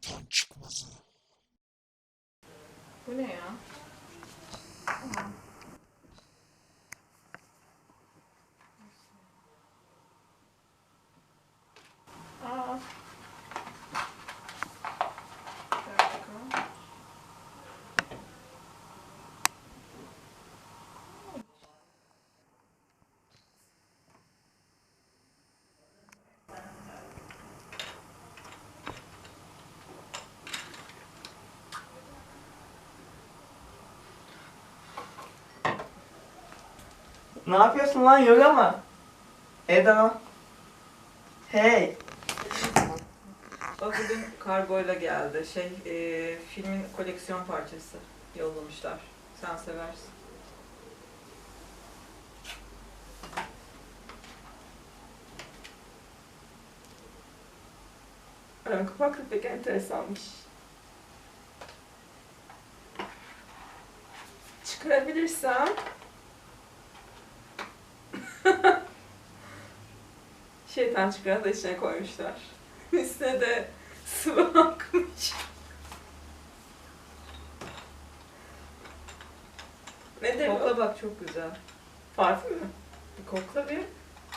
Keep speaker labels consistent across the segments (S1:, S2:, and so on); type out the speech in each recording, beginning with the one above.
S1: Allah'tan çıkmazı.
S2: Bu ne ya? Aa. Bir dakika.
S3: Ne yapıyorsun lan, yoga mı? Eda. Hey.
S2: Bak bugün kargoyla geldi. Filmin koleksiyon parçası yollamışlar. Sen seversin.
S3: Ön kapaklı pek enteresanmış. Çıkarabilirsem. Şeytan çıkaranı da içine koymuşlar. Üstüne de sıvı akmış. Nedir
S2: Kokla
S3: bu?
S2: bak, çok güzel.
S3: Parfüm mü?
S2: Bir kokla bir.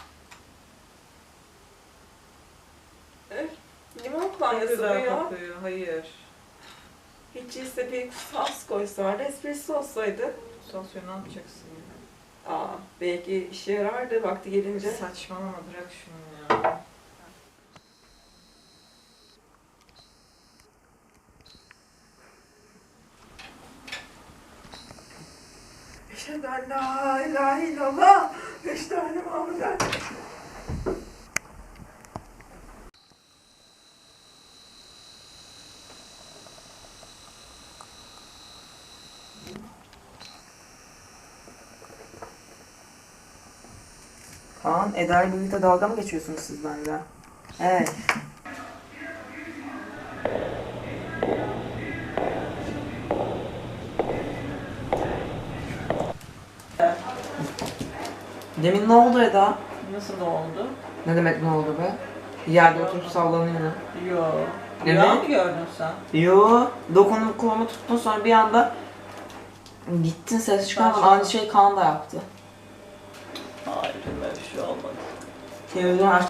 S3: Limon
S2: Çok
S3: kullanması bu
S2: güzel
S3: ya.
S2: kokuyor. Hayır.
S3: Hiç değilse bir sos koysalardı, espresso olsaydı.
S2: Sosyo ne yapacaksın ya?
S3: Aa, belki işe yarardı vakti gelince.
S2: Saçmalama, bırak şunu ya.
S3: Eşhedü en la ilahe illallah. Eşhedü enne Muhammeden. Kaan, Eda ile birlikte dalga mı geçiyorsunuz siz benimle? Evet. Demin ne oldu Eda?
S2: Nasıl oldu?
S3: Ne demek ne oldu be? Yerde oturup sallanıyor.
S2: Yo.
S3: Evet.
S2: Rüya mı gördün sen?
S3: Yo, dokunup kolumu tuttun, sonra bir anda gittin, ses çıkarmadın.
S2: Saçma.
S3: Aynı şey Kaan da yaptı.
S2: Hayır, böyle bir şey olmadı.
S3: Televizyon aç.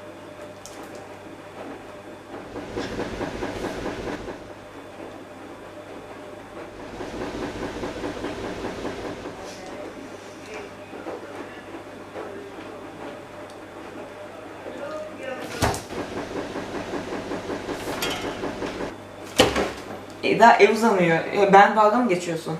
S3: Eda, ev uzanıyor. Ben dalga mı geçiyorsun?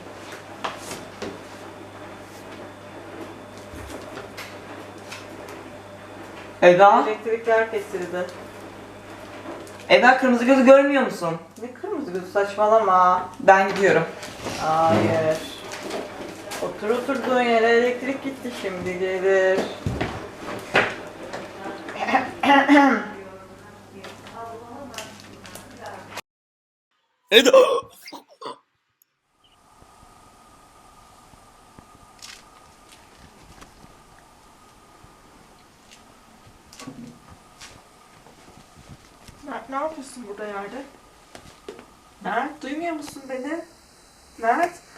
S3: Eda?
S2: Elektrikler kesildi.
S3: Eda, kırmızı gözü görmüyor musun?
S2: Ne kırmızı gözü, saçmalama.
S3: Ben gidiyorum.
S2: Hayır. Otur oturduğun yere, elektrik gitti, şimdi gelir.
S1: Eda!
S3: Mert, ne yapıyorsun burada yerde? Mert, duymuyor musun beni? Mert?